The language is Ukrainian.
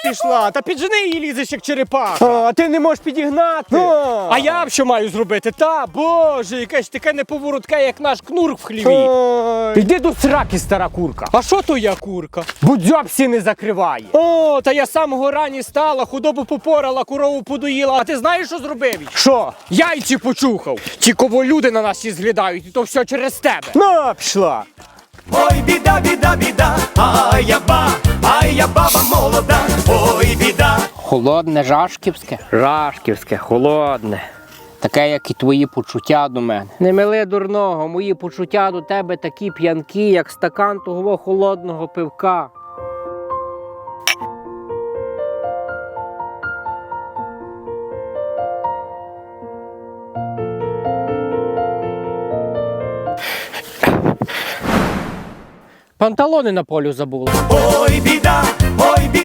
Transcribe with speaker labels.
Speaker 1: пішла? Та піджени її, лізеш як черепаха. А ти не можеш підігнати. А я що маю зробити? Та, боже, якесь таке неповоротке, як наш кнурк в хліві. Йди до сраки, стара курка. А що то я курка? Будзьобсі не закриває. О, та я з самого рані стала, худобу попорала, корову подоїла. А ти знаєш, що зробив? Що? Яйці почухав. Ті, кого люди на нас всі зглядають, і то все через тебе. Ну, пішла.
Speaker 2: Ой, біда, біда, біда, а я баба молода, ой, біда.
Speaker 3: Холодне, жашківське? Жашківське, холодне. Таке, як і твої почуття до мене. Не мили дурного, мої почуття до тебе такі п'янкі, як стакан того холодного пивка. Панталони на полю забула.
Speaker 2: Ой, біда,